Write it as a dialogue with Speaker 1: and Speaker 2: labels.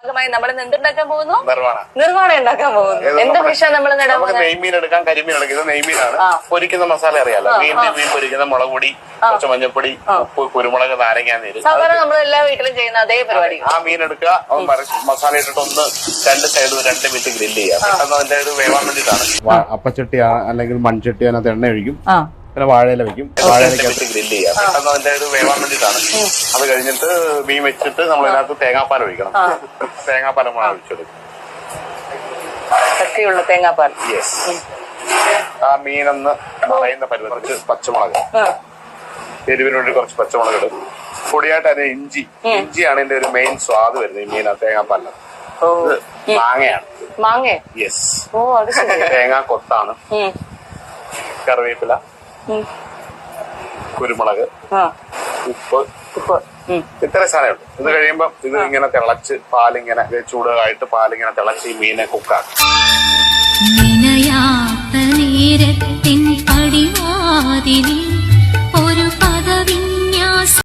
Speaker 1: നമ്മൾ എന്തുണ്ടാക്കാൻ പോകുന്നു? നിർവ്വാണം ഉണ്ടാക്കാൻ പോകുന്നു. എന്ത് ഫിഷാ നമ്മൾ
Speaker 2: നെയ്മീൻ എടുക്കാം, കരിമീൻ എടുക്കാം. ഇത് നെയ്മീനാണ്. പൊരിക്കുന്ന മസാല അറിയാലോ, മീൻ പൊരിക്കുന്ന മുളക് പൊടി, കുറച്ച് മഞ്ഞപ്പൊടി, ഉപ്പ്, കുരുമുളക്, നാരങ്ങ നീര്.
Speaker 1: സാധാരണ നമ്മൾ എല്ലാ വീട്ടിലും ചെയ്യുന്ന അതേ പരിപാടി.
Speaker 2: ആ മീൻ എടുക്കുക, മസാല ഇട്ടിട്ട് ഒന്ന് രണ്ട് സൈഡ് 2 മിനിറ്റ് ഗ്രില്ല് ചെയ്യുക. പെട്ടെന്ന് അതിന്റെ ഒരു വേവാൻ വേണ്ടിയിട്ടാണ്. അപ്പച്ചട്ടി അല്ലെങ്കിൽ മൺചട്ടി അതിനകത്ത് എണ്ണ ഒഴിക്കും, പിന്നെ വാഴയില വെക്കും, വാഴയിലക്കകത്ത് ഗ്രില്ല് ചെയ്യാം. പെട്ടെന്ന് അതിന്റെ ഒരു വേവാൻ വേണ്ടിയിട്ടാണ്. അത് കഴിഞ്ഞിട്ട് മീൻ വെച്ചിട്ട് നമ്മൾ അതിനകത്ത് തേങ്ങാപ്പാൽ ഒഴിക്കണം. തേങ്ങാപ്പാൽ നമ്മൾ ഒഴിച്ചെടുക്കും,
Speaker 1: കട്ടിയുള്ള തേങ്ങാപ്പാൽ.
Speaker 2: യെസ്. ആ മീനെന്ന് പറയുന്ന പരുവം കുറച്ച് പച്ചമുളക്, എരിവിന് വേണ്ടി കുറച്ച് പച്ചമുളക് ഇടും. പൊടിയായിട്ട് അതിന് ഇഞ്ചിയാണ് ഇതിന്റെ ഒരു മെയിൻ സ്വാദ് വരുന്നത്. ഈ മീൻ തേങ്ങാപ്പാലിന്. ഇത് മാങ്ങയാണ്.
Speaker 1: മാങ്ങ?
Speaker 2: യെസ്. തേങ്ങാ കൊത്താണ്. കറിവേപ്പില, കുരുമുളക്, ഉപ്പ്, ഇത്ര സാധനമുണ്ട്. ഇത് കഴിയുമ്പോ ഇത് ഇങ്ങനെ തിളച്ച് പാലിങ്ങനെ ചൂടായിട്ട് പാലിങ്ങനെ തിളച്ച് ഈ മീനെ കുക്കാക്കും.
Speaker 3: നേരത്തിൻ പടിവാതിലിൽ